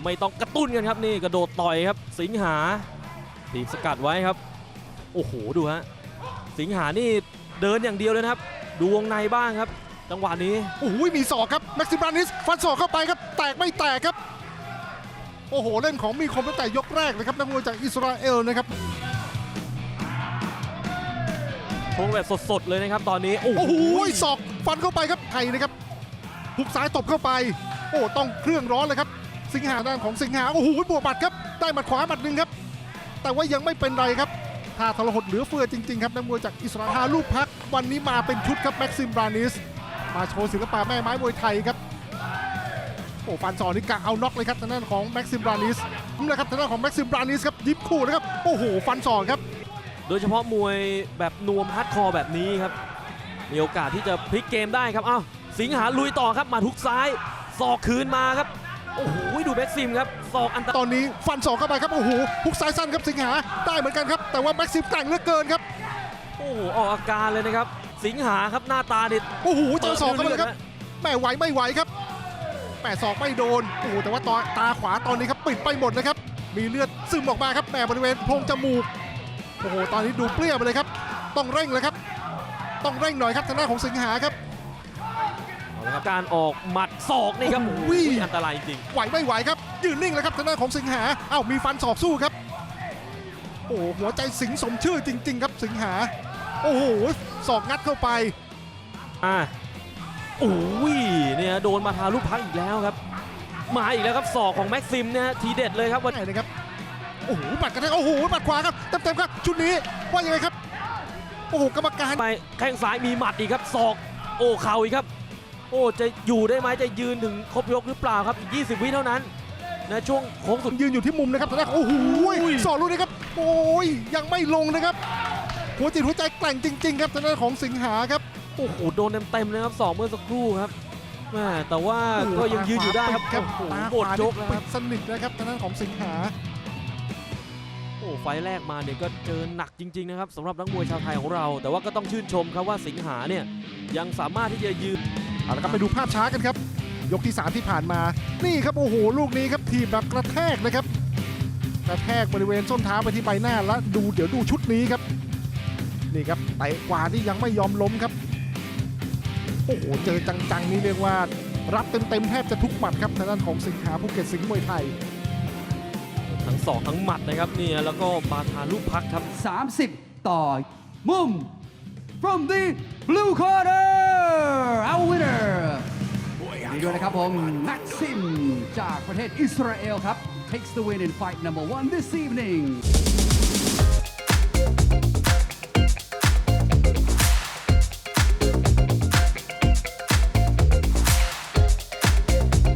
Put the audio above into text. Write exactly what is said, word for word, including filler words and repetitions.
ไม่ต้องกระตุ้นกันครับนี่กระโดดต่อยครับสิงหาถีบสกัดไว้ครับโอ้โหดูฮะสิงหานี่เดินอย่างเดียวเลยนะครับดูวงในบ้างครับจังหวะนี้โอ้โหมีศอกครับแม็กซิมบรานิสฟันศอกเข้าไปครับแตกไม่แตกครับโอ้โหเล่นของมีคมตั้งแต่ยกแรกเลยครับนักมวยจากอิสราเอลนะครับชงแบบสดๆเลยนะครับตอนนี้โอ้โอ้โหโหศอกฟันเข้าไปครับไทยนะครับหุบซ้ายตบเข้าไปโอ้ต้องเครื่องร้อนเลยครับสิงหาด้านของสิงหาโอ้โหบวกหมัดครับได้หมัดขวาหมัดหนึ่งครับแต่ว่ายังไม่เป็นไรครับท่าทรหดเหลือเฟือจริงๆครับนักมวยจากอิสราเอลลูกพักวันนี้มาเป็นชุดครับแม็กซิมบรานิสมาโชว์ศิลปะแม่ไม้มวยไทยครับโอ้ฟันศอกนี่กะเอาน็อกเลยครับทางด้านของแม็กซิมบรานิสนี่แหละครับทางด้านของแม็กซิมบรานิสครับยิบคู่นะครับโอ้โหฟันศอกครับโดยเฉพาะมวยแบบนวมฮาร์ดคอร์แบบนี้ครับมีโอกาสที่จะพลิกเกมได้ครับอ้าวสิงหาลุยต่อครับมาทุกซ้ายศอกคืนมาครับโอ้โหดูแม็กซิมครับศอกอันตรายตอนนี้ฟันศอกเข้าไปครับโอ้โหฮุกซ้ายสั้นครับสิงหาได้เหมือนกันครับแต่ว่าแม็กซิมแต่งเหลือเกินครับโอ้โหออกอาการเลยนะครับสิงหาครับหน้าตาเด็ดโอ้โหเจอศอกเข้าไปเลยครับแม่ไหวไม่ไหวครับแม่ศอกไม่โดนโอ้โหแต่ว่าตาตาขวาตอนนี้ครับปิดไปหมดเลยครับมีเลือดซึมออกมาครับแม่บริเวณโพรงจมูกโอ้โหตอนนี้ดูเปรี้ยวไปเลยครับต้องเร่งเลยครับต้องเร่งหน่อยครับทางด้านของสิงหาครับเอาละครับการออกหมัดศอกนี่ครับโอ้โหโอ้โหอันตรายจริงไหวไม่ไหวครับยืนนิ่งเลยครับทางด้านของสิงหาเอ้ามีฟันศอกสู้ครับโอ้โหหัวใจสิงสมชื่อจริง ๆ ครับสิงหาโอ้โหศอกงัดเข้าไปอ่าโอ้ยเนี่ยโดนมาทาลูกพักอีกแล้วครับมาอีกแล้วครับศอกของแม็กซิมเนี่ยทีเด็ดเลยครับวันได้เลยครับโอ้โหหมัดกระแทกโอ้โหหมัดขวาครับเต็มๆครับชุดนี้ว่ายังไงครับโอ้โหกรรมการไปแข้งซ้ายมีหมัดอีกครับศอกโอ้เข่าอีกครับโอ้จะอยู่ได้ไหมจะยืนถึงครบยกหรือเปล่าครับอีกยี่สิบวิเท่านั้นนะช่วงโค้งสุดยืนอยู่ที่มุมนะครับตอนแรกโอ้โหสอนลูกนี้ครับโอ้ยยังไม่ลงนะครับหัวจิตหัวใจแกร่งจริง ๆ ครับทางด้านของสิงหาครับโอ้โหโดนเต็มๆเลยครับสองเมื่อสักครู่ครับแม่แต่ว่าก็ยังยืนอยู่ได้ครับครับโอ้โหตาหมขดวายกแล้วปิครับดสนิทนะครับทางด้านของสิงหาโอ้ไฟล์แรกมาเนี่ยก็เจอหนักจริงๆนะครับสำหรับนักมวยชาวไทยของเรา แต่ว่าก็ต้องชื่นชมครับว่าสิงหาเนี่ยยังสามารถที่จะยืนเอาละครับไปดูภาพช้ากันครับยกที่สามที่ผ่านมานี่ครับโอ้โหลูกนี้ครับทีบแบบกระแทกนะครับกระแทกบริเวณส้นเท้าไปที่ใบหน้าแล้วดูเดี๋ยวดูชุดนี้ครับนี่ครับเตะกว่าที่ยังไม่ยอมล้มครับโอ้โหเจอจังๆนี่เรียกว่ารับเต็มๆแทบจะทุกหมัดครับทางด้านของสิงหาภูเก็ตสิงห์มวยไทยทั้งศอกทั้งหมัดนะครับเนี่ยแล้วก็บาทาลูกพักครับสามสิบ ต่อมุม from the blue corner our winner นี่ด้วยนะครับผมแม็กซิมจากประเทศอิสราเอลครับ takes the win in fight number one this evening